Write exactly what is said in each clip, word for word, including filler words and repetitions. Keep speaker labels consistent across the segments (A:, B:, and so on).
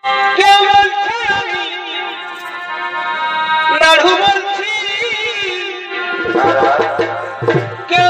A: কেউ বলছে আমি নাড়ু বলছি, কেউ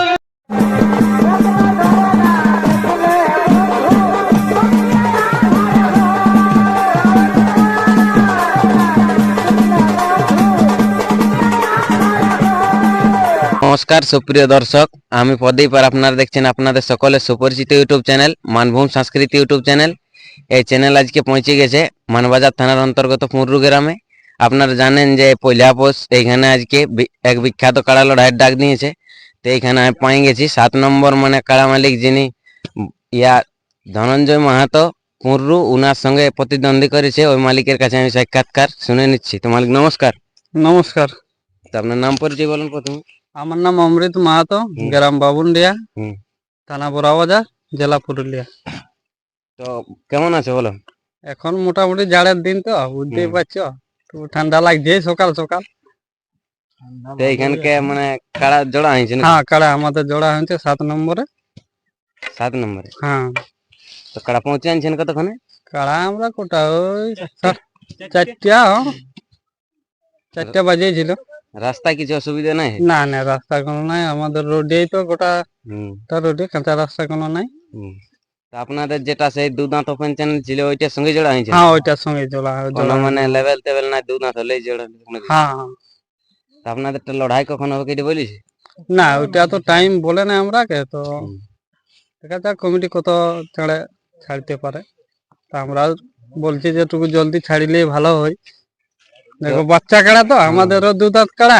B: নমস্কার সুপ্রিয় দর্শক, আমি প্রদীপ আর আপনারা দেখছেন আপনাদের সকলের সুপরিচিত ইউটিউব চ্যানেল মানভূম সংস্কৃতি ইউটিউব চ্যানেল। এই চ্যানেল আজকে পৌঁছে গেছে মানবাজার থানার অন্তর্গত পুররু গ্রামে। আপনারা জানেন যে পয়লা পৌষ এইখানে আজকে এক বিখ্যাত কাড়া লড়াইয়ের ডাক দিয়েছে। তো এইখানে আমি পাই গেছি সাত নম্বর মানে কাড়া মালিক যিনি ইয়া ধনঞ্জয় মাহাতো পুররু, উনার সঙ্গে প্রতিদ্বন্দ্বী করেছে। ওই মালিকের কাছে আমি সাক্ষাৎকার শুনে নিচ্ছি। তো মালিক নমস্কার।
C: নমস্কার।
B: তো আপনার নাম পরিচয় বলুন প্রথমে।
C: আমার নাম অমৃত মাহাতো, গ্রাম বাবুন্ডিয়া, থানা বড়াবাজার, জেলা পুরুলিয়া।
B: তো কেমন আছে বলো?
C: এখন মোটামুটি জাড়ের দিন তো বুঝতেই পারছো, তো ঠান্ডা লাগছে সকাল সকাল।
B: তো এইখানকে মানে কাড়া জোড়া হয়েছে?
C: হ্যাঁ, কাড়া আমাদের জোড়া হয়েছে সাত নম্বরে।
B: সাত নম্বরে?
C: হ্যাঁ।
B: তো কাড়া পৌঁছে আনছেন কতক্ষণে?
C: কাড়া আমরা কোটা ওই চারটা চারটা বাজেছিল।
B: রাস্তায় কিছু অসুবিধা নাই?
C: না না, রাস্তা কোনো নাই, আমাদের রোডেই তো গোটা রোডে, কাঁচা রাস্তা কোনো নাই।
B: তা আপনাদের যেটা সেই দু দাঁত ওপেন চ্যানেল ছিল ওইটার সঙ্গে জোড়া হয়েছে?
C: হ্যাঁ, ওইটার সঙ্গে জোড়া জোড়া
B: মানে লেভেল টেবেল নাই, দু দাঁত হলেই জোড়া?
C: হ্যাঁ।
B: তা আপনাদের লড়াই কখন হবে কেটে বলিস?
C: না, ওইটা তো টাইম বলে না আমরা কে, তো দেখা যাক কমিটি কত ছাড়ে ছাড়তে পারে। তা আমরা বলছি যে টুকু জলদি ছাড়িলে ভালো হয়। দেখো বাচ্চা কাড়া তো, আমাদেরও দু দাঁত কাড়া।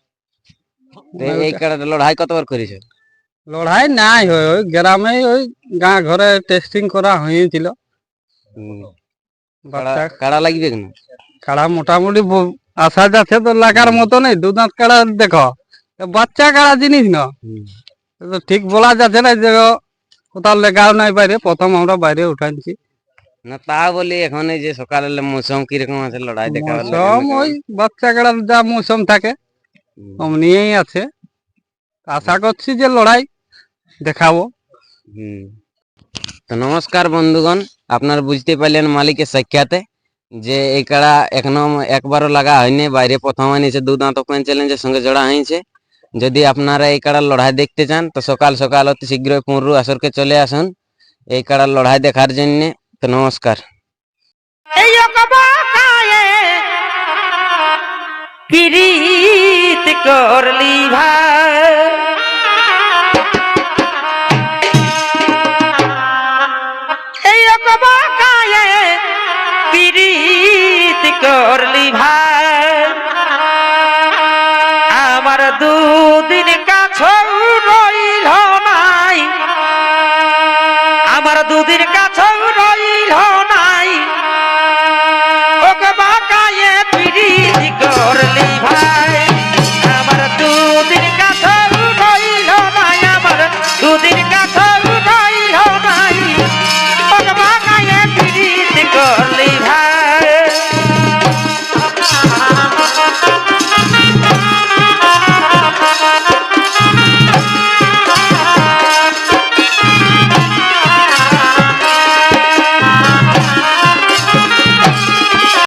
B: এই কাড়াটা লড়াই কতবার করেছে?
C: লড়াই নাই হয়, ওই গ্রামে ওই গাঁ ঘরে টেস্টিং করা হয়েছিল।
B: কাড়া লাগবে কেন?
C: কাড়া মোটামুটি আশা যাচ্ছে তো লাগার মতো নেই। দু দাঁত কাড়া দেখো, বাচ্চা কাড়া জিনিস না, ঠিক বলা যাচ্ছে না যে কোথাও লেগাও নাই বাইরে, প্রথম আমরা বাইরে উঠাইছি
B: না। তা বলি এখন এই যে সকালে মৌসুম কিরকম আছে লড়াই দেখা?
C: মৌসুম ওই বাচ্চা কাড়ার যা মৌসুম থাকে অমনিই আছে। আশা করছি যে লড়াই দেখাবো।
B: হুম। তো নমস্কার বন্ধুগণ, আপনারা বুঝতে পারলেন মালিকের সাক্ষাতে যে এই কাড়া এখনো একবারও লাগা হয়নি, বাইরে প্রথম আনিছে, দু দাঁত ওপেন চ্যালেঞ্জের সঙ্গে জোড়া হয়েছে। যদি আপনারা এই কাড়ার লড়াই দেখতে চান তো সকাল সকাল অতি শীঘ্রই পুররু আসরকে চলে আসুন এই কাড়ার লড়াই দেখার জন্য। তো নমস্কার।
A: পিরিত করলি ভাই, এই অকবাকায়ে পিরিত করলি ভাই, আমার দুদিন কাছেও রইল নাই, আমার দুদিন কাছেও রইল নাই, অকবাকায়ে পিরিত করলি ভাই।